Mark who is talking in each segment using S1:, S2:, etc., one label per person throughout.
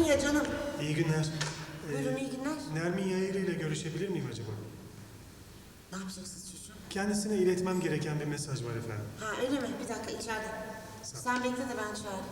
S1: ya canım.
S2: İyi günler.
S1: Buyurun, iyi günler.
S2: Nermin Yayırı ile görüşebilir miyim acaba?
S1: Ne yapacaksınız çocuğum?
S2: Kendisine iletmem gereken bir mesaj var efendim.
S1: Ha öyle mi? Bir dakika içeride. Sen bekle de ben çağırayım.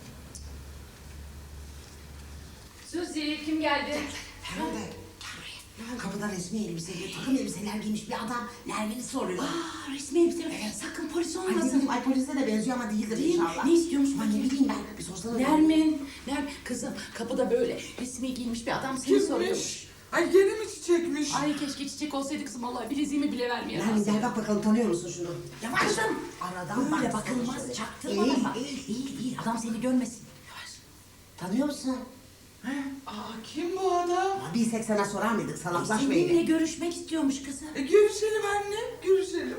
S3: Suzi kim geldi?
S4: Feride. Kapıda resmi elbiseyle, takım elbiseler giymiş bir adam Nermin'i soruyor.
S3: Resmi elbise mi? Sakın polis
S4: Ay
S3: olmasın.
S4: bilmiyorum, ay polise de benziyor ama değildir
S3: Değil mi?
S4: inşallah.
S3: Ne istiyormuş?
S4: Ama ne bileyim ben, bir sorsana.
S3: Nermin, kızım kapıda böyle resmi giyinmiş bir adam seni soruyormuş.
S5: Ay gene mi çiçekmiş?
S3: Ay keşke çiçek olsaydı kızım vallahi bileziğimi bile vermeyemez.
S4: Nermin gel bak bakalım, tanıyor musun şunu?
S3: Yavaş kızım.
S4: Aradan
S3: Böyle
S4: baksana
S3: bakılmaz,
S4: şöyle.
S3: çaktırma
S4: Eğil,
S3: bak.
S4: eğil.
S3: Değil, adam seni görmesin. Yavaş.
S4: Tanıyor musun?
S5: Aa kim bu adam?
S4: Ama bilsek sana sorar mıydık, salaklaşma
S3: Seninle
S4: yine.
S3: görüşmek istiyormuş kızım.
S5: Görüşelim anne, görüşelim.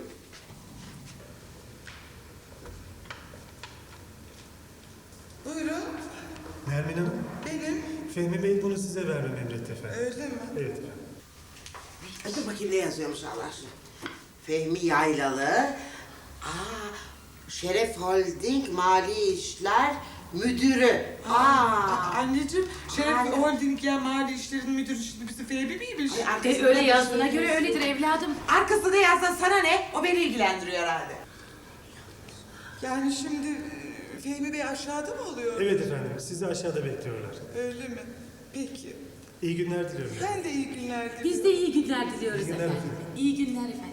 S5: Buyurun,
S2: Nermin Hanım,
S5: benim.
S2: Fehmi Bey bunu size vermemi emretti efendim.
S5: Öyle mi?
S2: Evet efendim.
S4: Dur bakayım ne yazıyormuş Allah aşkına. Fehmi Yaylalı. Şeref Holding Mali İşler Müdürü.
S5: Anneciğim, Şeref
S4: Anne.
S5: Holding ya mali işlerin müdürü şimdi bizi Fehmi miymiş?
S4: Ay, arkasında
S3: Öyle
S4: bir
S3: yazdığına
S4: şey
S3: göre
S4: yazıyor.
S3: öyledir evladım.
S4: Arkasında yazsa sana ne? O beni ilgilendiriyor herhalde.
S5: Yani şimdi Fehmi Bey aşağıda mı oluyor?
S2: Evet efendim, sizi aşağıda bekliyorlar.
S5: Öyle mi? Peki.
S2: İyi günler diliyorum.
S5: Ben de iyi günler diliyorum.
S3: Biz de iyi günler diliyoruz
S2: İyi günler
S3: efendim.
S2: efendim.
S3: İyi günler efendim.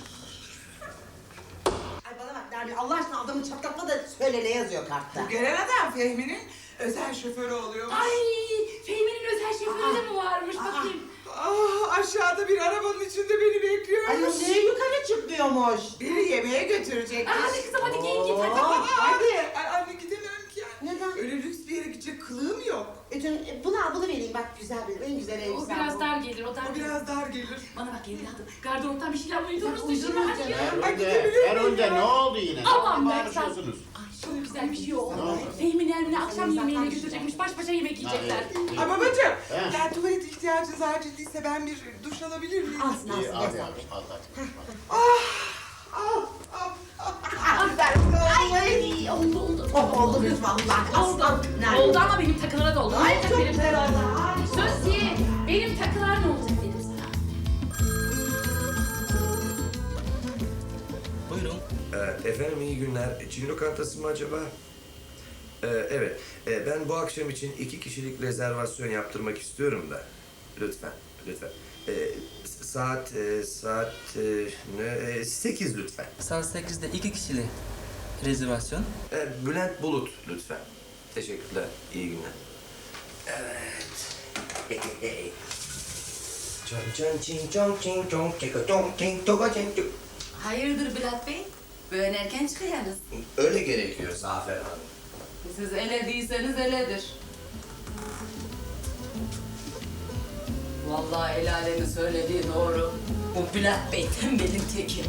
S4: Ay bana bak Nermin, Allah aşkına adamı çatlatma da söyle ne yazıyor kartta.
S5: Bu gelen adam Fehmi'nin özel şoförü oluyormuş.
S3: Ay Fehmi'nin özel şoförü de mi varmış bakayım.
S5: Aşağıda bir arabanın içinde beni bekliyormuş.
S4: Ay niye yukarı çıkmıyormuş?
S5: Beni yemeğe götürecekmiş.
S3: Hadi kızım hadi giyin git hadi.
S4: Hadi.
S5: Ay anne gidemem ki.
S4: Neden?
S5: Öyle lüks bir yere gidecek kılığım yok.
S4: Canım, bunu al, bunu vereyim bak, güzel bir, en güzel
S3: O
S4: elbise.
S3: biraz dar gelir o dar
S5: O
S3: gelir.
S5: biraz dar gelir.
S3: Bana bak evladım gardıroptan bir şeyler uydururuz
S4: Uydurma
S3: dışına hadi
S4: canım.
S3: ya.
S5: Ay gidebilir miyim
S6: Erol'de
S5: ya?
S6: ne oldu yine?
S3: Aman
S6: Ne
S3: be,
S6: konuşuyorsunuz?
S3: Ay çok güzel bir şey oldu.
S6: Ne oldu?
S3: Fehmi Nermin'i akşam yemeğine götürecekmiş baş başa yemek yiyecekler.
S5: Ay babacığım,
S6: He.
S5: yani tuvalet ihtiyacınız acildiyse ben bir duş alabilir miyim?
S4: Alsın
S6: İyi,
S4: alsın.
S6: hadi
S4: alsın.
S6: hadi, al hadi.
S3: Ay oldu.
S4: Oh oldu lütfen Allah. Aslan. Nermin.
S3: Oldu ama benim takılara da oldu.
S4: Ay
S3: Olacak
S4: çok
S3: benim
S4: güzel
S3: takılara.
S4: oldu. Ay.
S3: Söz benim takılar ne olacak dedim sana.
S7: Buyurun. Efendim iyi günler. Çin lokantası mı acaba? Evet. Ben bu akşam için 2 kişilik rezervasyon yaptırmak istiyorum da. Lütfen, lütfen. Saat 8 lütfen.
S8: Saat 8'de 2 kişili rezervasyon.
S7: Bülent Bulut lütfen. Teşekkürler. İyi günler. Evet. Çan çan çin çong çin çong çika çong çin toga çin çong.
S9: Hayırdır Bülent Bey? Böyle erken çıkıyorsunuz.
S7: Öyle gerekiyor Zafer Hanım.
S9: Siz ele değilseniz eledir. Vallahi el alemin söylediği doğru. Bu Bülent Bey tembelin teki.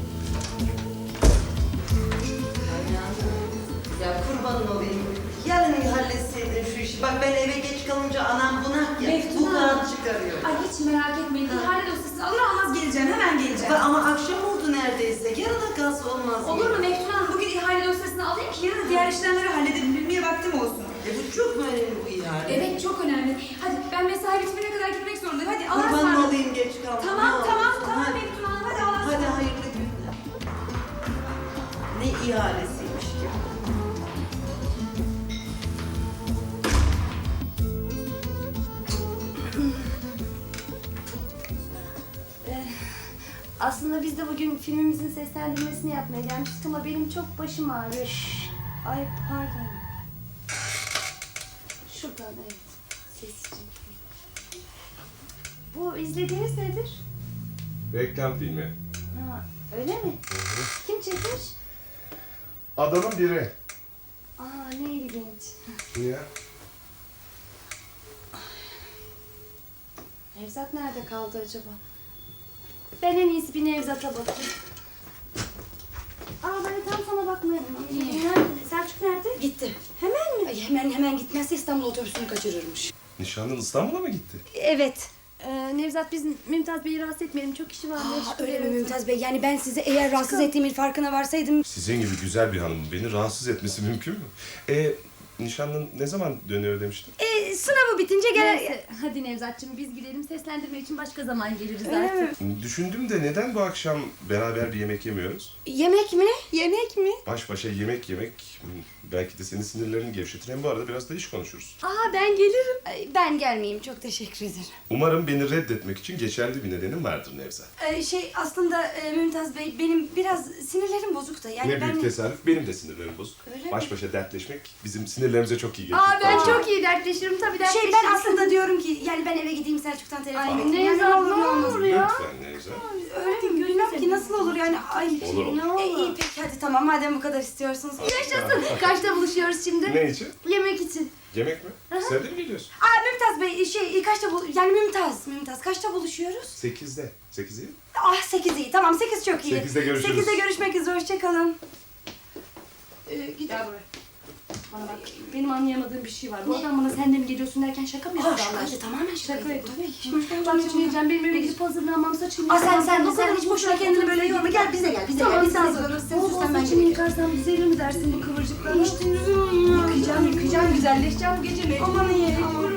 S10: Ya kurbanın olayım. Yarın halletseydin şu işi. Bak ben eve geç kalınca anam bunak ya.
S9: Meftun
S10: Bu
S9: Hanım.
S10: kağıt çıkarıyor.
S9: Ay hiç merak etmeyin. İhale dosyasını alır almaz geleceğim. Hemen geleceğim.
S10: Ama akşam oldu neredeyse. Yarına kalsa olmaz mı?
S9: Olur mu Meftun Hanım? Bugün ihale dosyasını alayım ki yarın diğer işlemleri halledelim. Bilmeye vaktim olsun.
S10: Bu çok mu önemli bu ihale?
S9: Evet çok önemli. Hadi ben mesai bitmene kadar gitmek zorundayım. Hadi Allah'a
S10: Kurbanın
S9: ısmarladık.
S10: olayım geç kalma.
S9: Tamam
S10: Ne
S9: tamam
S10: olursun.
S9: tamam
S10: Hadi.
S9: Meftun Hanım. Hadi Allah'a
S10: Hadi
S9: ısmarladık.
S10: hayırlı günler. Ne ihalesiymiş ki?
S11: Aslında biz de bugün filmimizin seslendirmesini yapmaya gelmiştik ama benim çok başım ağrıyor. Ay pardon. Şuradan evet. Sessizce. Bu izlediğiniz nedir?
S12: Reklam filmi.
S11: Ha, öyle mi? Kim çekmiş?
S12: Adamın biri.
S11: Aa ne ilginç.
S12: Niye?
S11: Nevzat nerede kaldı acaba? Ben en iyisi bir Nevzat'a bakayım. Aa ben tam sana bakmaya... Nerede? Selçuk nerede?
S9: Gitti.
S11: Hemen mi?
S9: Ay, hemen gitmezse İstanbul otobüsünü kaçırırmış.
S12: Nişanlın İstanbul'a mı gitti?
S11: Evet. Nevzat biz Mümtaz Bey'i rahatsız etmeyelim. Çok işi var.
S9: Öyle mi Mümtaz Bey? Yani ben sizi eğer rahatsız ettiğimin farkına varsaydım...
S12: Sizin gibi güzel bir hanımın beni rahatsız etmesi mümkün mü? Nişanlın ne zaman dönüyor demiştin?
S11: Sınavı bitince gel.
S6: Neyse, hadi Nevzat'cığım biz gidelim. Seslendirme için başka zaman geliriz artık.
S12: Düşündüm de neden bu akşam beraber bir yemek yemiyoruz?
S11: Yemek mi? Yemek mi?
S12: Baş başa yemek belki de senin sinirlerini gevşetir. Hem bu arada biraz da iş konuşuruz.
S11: Aa ben gelirim. Ben gelmeyeyim, çok teşekkür ederim.
S12: Umarım beni reddetmek için geçerli bir nedenin vardır Nevzat.
S11: Aslında Mümtaz Bey benim biraz sinirlerim bozuk da. Yani
S12: Ne büyük tesadüf, benim de sinirlerim bozuk.
S11: Öyle mi?
S12: Baş başa dertleşmek bizim sinirlerimize çok iyi gelir.
S11: Aa ben
S12: Bence.
S11: çok iyi dertleşirim tabii dertleşirim. Ben aslında diyorum ki yani ben eve gideyim Selçuk'tan telefon bekliyorum.
S6: Nevzat ne olur ya?
S12: Lütfen Nevzat.
S11: Öyle mi? Bilmem ki nasıl olur yani. Ay,
S12: Olur, olur.
S11: Ne olur. İyi peki hadi tamam madem bu kadar istiyorsunuz. Yaşasın. Kaçta buluşuyoruz şimdi?
S12: Ne için?
S11: Yemek için.
S12: Yemek mi? Sen de mi geliyorsun?
S11: Mümtaz Bey kaçta yani Mümtaz kaçta buluşuyoruz?
S12: 8'de. 8 iyi.
S11: 8 iyi tamam 8 çok iyi.
S12: 8'de görüşürüz.
S11: 8'de görüşmek üzere hoşçakalın. Git. Gel buraya.
S6: Bana bak, benim anlayamadığım bir şey var. Bu adam bana sen de mi geliyorsun derken şaka mı yapıyor Allah aşkına?
S11: Tamamen şaka
S6: yapıyor.
S11: Tabii ki.
S6: Bak şimdi diyeceğim, benim eve gidip hazırlanmam, saçımı
S11: Sen hiç boşuna kendini böyle yorma. Gel bize gel. Biz de hazırlanırız. Sen sus ben
S6: saçımı yıkarsam düzelir mi dersin bu kıvırcıklarla?
S11: İşte yıkayacağım.
S6: Güzelleşeceğim bu gece mecbur.
S11: Aman iyi.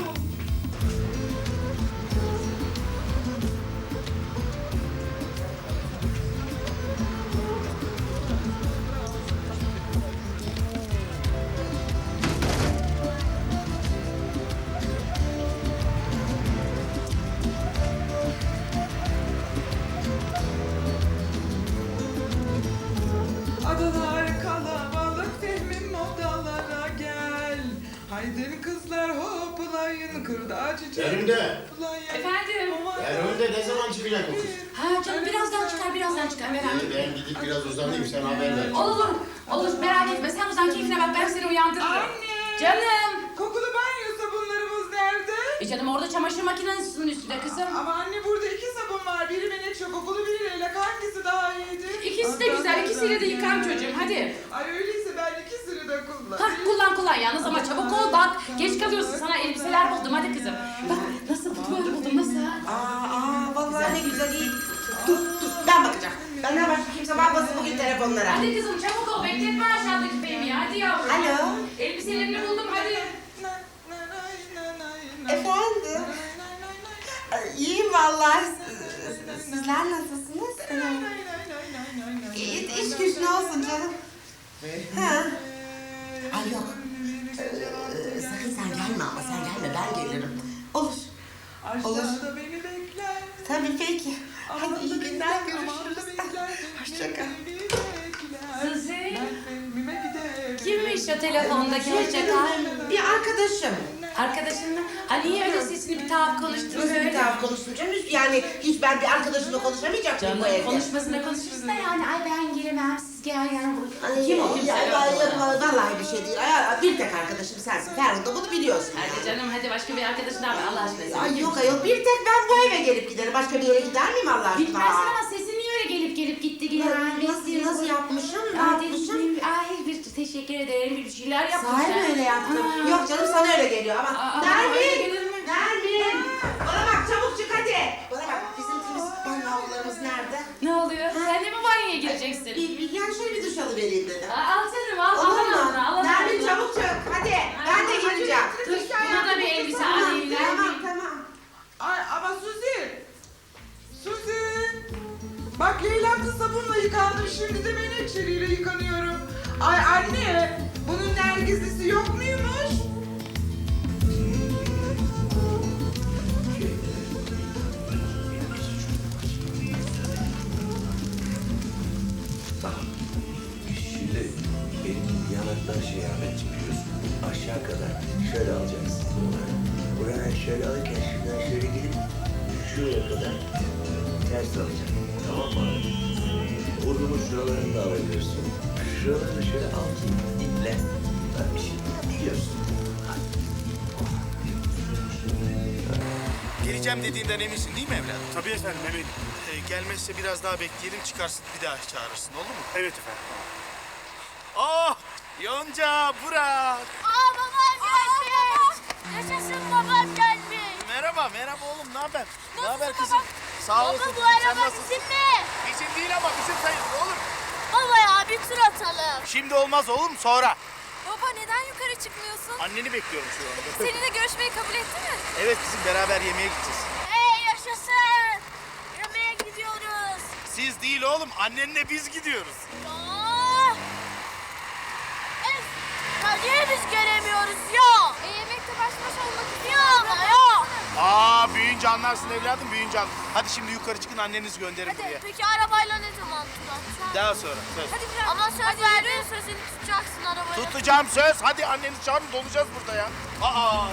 S5: Adalar kalabalık Fehmim odalara gel. Haydi kızlar hoplayın kırda çiçek.
S13: Feride.
S3: Efendim?
S13: Feride ne zaman çıkacak bu kız?
S3: Ha canım birazdan çıkar merak etme.
S13: Ben gidip biraz uzanayım sen haber ver.
S3: Olur merak etme sen uzan keyfine bak ben seni uyandırırım.
S5: Anne!
S3: Canım.
S5: Kokulu banyo sabunlarımız nerede?
S3: Canım orada çamaşır makinesinin üstünde kızım.
S5: Ama anne burada 2 sabun var. Biri menekşe kokulu, biri leylak. Hangisi daha iyidir?
S3: İkisi de güzel, ikisiyle de yıkan çocuğum hadi.
S5: Ay öyleyse ben ikisini de kullanayım.
S3: Kullan yalnız ama çabuk ol bak. Geç kalıyorsun sana elbiseler buldum hadi kızım. Bak nasıl böyle buldum nasıl?
S1: Vallahi ne güzel iyi. Dur ben bakacağım. Benden başka kimse bakmasın bugün telefonlara.
S3: Hadi kızım çabuk ol bekletme aşağıdaki Fehmi'yi hadi yavrum.
S1: Alo.
S3: Elbiselerini buldum hadi.
S1: Efendim? İyiyim vallahi. Sizler nasılsınız? İş güç ne olsun canım? Ha?
S4: Ay yok. Sakın sen gelme ama sen gelme ben gelirim.
S1: Olur.
S5: Aşağıda beni bekler.
S1: Tabii peki. Hadi iyi günler görüşürüz. Hoşçakal.
S3: Suzi. Kimmiş o telefondaki hoşçakal?
S1: Bir arkadaşım.
S3: Arkadaşın mı? Niye öyle sesini bir tuhaf konuştun
S1: Nasıl bir
S3: böyle?
S1: taraf konuştum canım? Yani hiç ben bir arkadaşımla konuşamayacak mıyım bu evde?
S3: Konuşmasına konuşuruz da yani ay ben giremem siz gel yani.
S1: Kim o? Vallahi bir şey değil. Bir tek arkadaşım sensin. Ferhun da bunu biliyorsun.
S3: Hadi canım hadi başka bir arkadaşın daha var Allah aşkına.
S1: Ay yok ayol bir tek ben bu eve gelip giderim. Başka bir yere gider miyim Allah aşkına?
S3: Bilmezsin ama sesin niye öyle gelip gitti yine?
S1: Nasıl yapmışım? Ne yapmışım?
S3: Ay bir teşekkür ederim bir şeyler yapmışsın.
S1: Sahi mi öyle yaptım? Yok canım sana öyle geliyor ama. Nermin! Bana bak çabuk çık hadi. Bana bak bizim temiz havlularımız nerede?
S3: Ne oluyor? Sen de mi banyoya gireceksin?
S1: Yani şöyle bir duş alıvereyim dedim.
S3: Al canım al.
S1: Olur mu? Nermin çabuk çık hadi. Ben de gireceğim.
S3: Dur buna da bir elbise alayım.
S1: Tamam.
S5: Ay ama Suzi. Bak leylaklı sabunla yıkandım. Şimdi de menekşeliyle yıkanıyorum. Ay anne. Bunun nergizlisi yok muymuş?
S7: Şimdi benim yanaktan Ahmet çıkıyorsun. Aşağı kadar şöyle alacaksın. Buradan şöyle alırken şuradan şöyle gelip şuraya kadar ters alacaksın. Tamam mı? Burnumun şuralarını da alabilirsin. Şuralarını şöyle altın iple. Ben bir şey biliyorsun.
S14: Geleceğim dediğinden eminsin değil mi evladım?
S13: Tabii efendim eminim.
S14: Gelmezse biraz daha bekleyelim çıkarsın bir daha çağırırsın olur mu?
S13: Evet efendim.
S14: Oh! Yonca, Burak!
S11: Babam gelmiş. Yaşasın babam gelmiş.
S14: Merhaba oğlum ne haber? Ne haber kızım? Sağ olasın.
S11: Baba bu araba bizim mi?
S14: Bizim değil ama bizim sayılır oğlum.
S11: Baba ya bir tur atalım.
S14: Şimdi olmaz oğlum sonra.
S11: Baba neden yukarı
S15: çıkmıyorsun?
S14: Anneni bekliyorum şu anda.
S15: Seninle görüşmeyi kabul etti mi?
S14: Evet kızım, beraber yemeğe gideceğiz.
S15: Hey yaşasın! Yemeğe gidiyoruz.
S14: Siz değil oğlum, annenle biz gidiyoruz.
S15: Ya niye biz gelemiyoruz ya? Yemekte baş başa olmak istiyorum. Ya.
S14: Aa, büyüyünce anlarsın evladım, büyüyünce anlarsın. Hadi şimdi yukarı çıkın, annenizi gönderin buraya.
S15: Peki arabayla ne zaman tutacağım?
S14: Daha sonra, söz.
S15: Hadi biraz. Ama söz verdin, sözünü tutacaksın arabayla.
S14: Tutacağım söz. Hadi annenizi çağırın, dolacağız burada ya. Aa.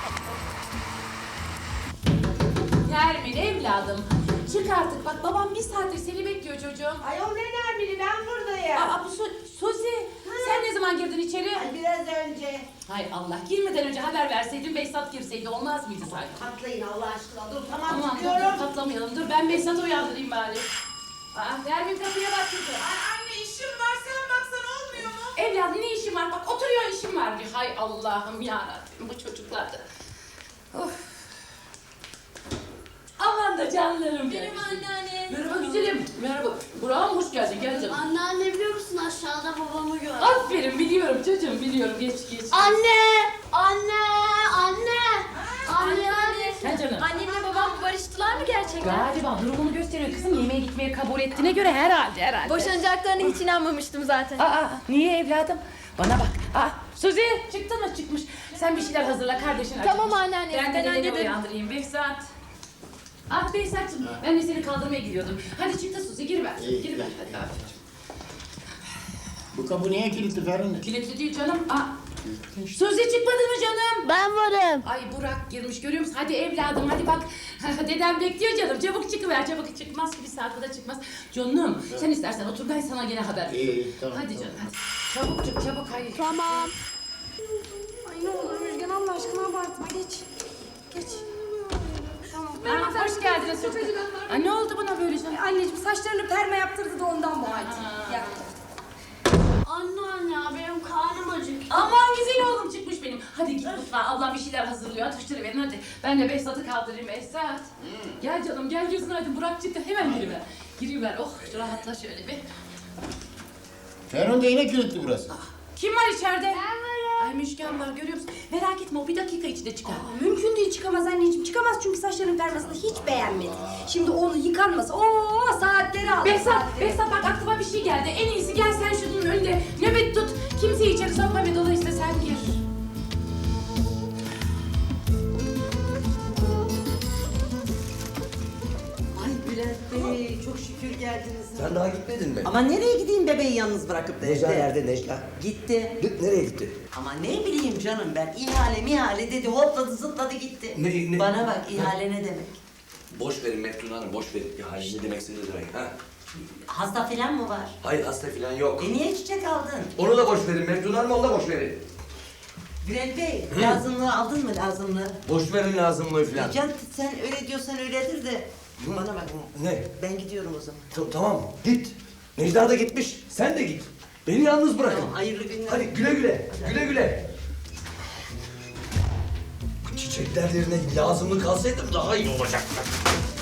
S3: Nermin evladım. Çık artık bak babam bir saattir seni bekliyor çocuğum.
S1: Ayol ne Nermin'i, ben buradayım.
S3: Aa bu Suzi. Sen ne zaman girdin içeri?
S1: Ay biraz önce.
S3: Hay Allah, girmeden önce haber verseydin Behzat girseydi olmaz mıydı sanki?
S1: Patlayın Allah aşkına, dur
S3: Aman
S1: tamam
S3: dur,
S1: çıkıyorum.
S3: patlamayalım. Dur ben Behzat'ı uyandırayım bari. Aa Nermin kapıya bak kızım.
S5: Anne işim var, sen baksan olmuyor mu?
S3: Evladım ne işin var? Bak oturuyor işim var diyor. Hay Allah'ım yarabbim bu çocuklar da. Of. Aman da canlarım benim.
S11: Benim anneanne.
S3: Merhaba güzelim. Merhaba. Burak'ım hoş geldin. Gel canım.
S11: Anneanne biliyor musun aşağıda babamı gördüm.
S3: Aferin biliyorum çocuğum biliyorum. Geç.
S11: Anne! Anne! Anne!
S3: Gel canım.
S6: Annemle babam barıştılar mı gerçekten?
S3: Galiba durumunu gösteriyor kızım. Yemeğe gitmeye kabul ettiğine göre herhalde.
S6: Boşanacaklarına hiç inanmamıştım zaten.
S3: Aa niye evladım? Bana bak. Aa Suzi çıktın mı çıkmış. Sen bir şeyler hazırla kardeşin acıkmış.
S6: Tamam anneanne,
S3: Ben de
S6: ben
S3: dedeni
S6: hallederim.
S3: uyandırayım Behzat. Ah Behzat'cığım ben de seni kaldırmaya gidiyordum. Hadi çık da Suzi gir ver.
S13: İyi.
S3: Gir ver hadi aferin.
S13: Bu kapı niye kilitli Ferhunde?
S3: Kilitli değil canım. Aa. Suzi çıkmadı mı canım?
S11: Ben varım.
S3: Ay Burak girmiş görüyor musun? Hadi evladım hadi bak. Dedem bekliyor canım. Çabuk çıkıver çabuk. Çıkmaz ki bir saat kadar çıkmaz. Canım sen istersen otur ben sana gene haber veririm.
S13: İyi tamam.
S3: Hadi canım hadi. Çabuk çık çabuk hayır.
S11: Tamam.
S6: Ay ne olur Müjgan Allah aşkına abartma geç. Geç. Tamam.
S3: Aa, hoş geldiniz çocuklar. Aa, ne oldu buna böyle canım?
S6: Anneciğim saçlarını perma yaptırdı da ondan bu halde. Ya.
S11: Anneanne benim karnım acıktı.
S3: Aman güzel oğlum çıkmış benim. Hadi git mutfağa. Ablam bir şeyler hazırlıyor. Atıştırıverin hadi. Ben de Behzat'ı kaldırayım Behzat. Gel canım gel yüzün hadi. Burak çıktı. Hemen giriver. Giriver. Oh rahatla şöyle bir.
S13: Ferhunde yine kilitli burası.
S3: Kim var içeride? Ben varım. Ay Müjgan var görüyor musun? Merak etme o bir dakika içinde çıkar.
S6: Mümkün değil çıkamaz anneciğim. Çıkamaz çünkü saçlarının permasını hiç beğenmedi. Şimdi onu yıkanması. Oo saatleri aldı.
S3: Behzat bak aklıma bir şey geldi. En iyisi gel sen şunun önünde nöbet tut. Kimseyi içeri sokma ve dolayısıyla sen gir.
S10: Ay Bülent Bey çok şükür geldiniz.
S7: Sen daha gitmedin mi?
S10: Ama nereye gideyim bebeği yalnız bırakıp da
S7: Necla
S10: evde?
S7: nerede Necla?
S10: Gitti.
S7: Nereye gitti?
S10: Ama ne bileyim canım ben ihale dedi hopladı zıpladı gitti.
S7: Ne?
S10: Bana bak ihale ne demek?
S7: Boş verin Meftun Hanım boş verin. Ya ne demek ne demek ha?
S10: Hasta falan mı var?
S7: Hayır hasta falan yok.
S10: Niye çiçek aldın?
S7: Onu da boş verin Meftun Hanım onu da boş verin.
S10: Bülent Bey lazımlığı aldın mı lazımlığı?
S7: Boş verin lazımlığı falan.
S10: Can sen öyle diyorsan öyledir de. Bana bak.
S7: Ne?
S10: Ben gidiyorum o zaman.
S7: Tamam git. Necla da gitmiş. Sen de git. Beni yalnız bırakın.
S10: Tamam, hayırlı günler.
S7: Hadi güle güle. Güle güle. Bu çiçekler yerine lazımlık alsaydım daha iyi olacaktı.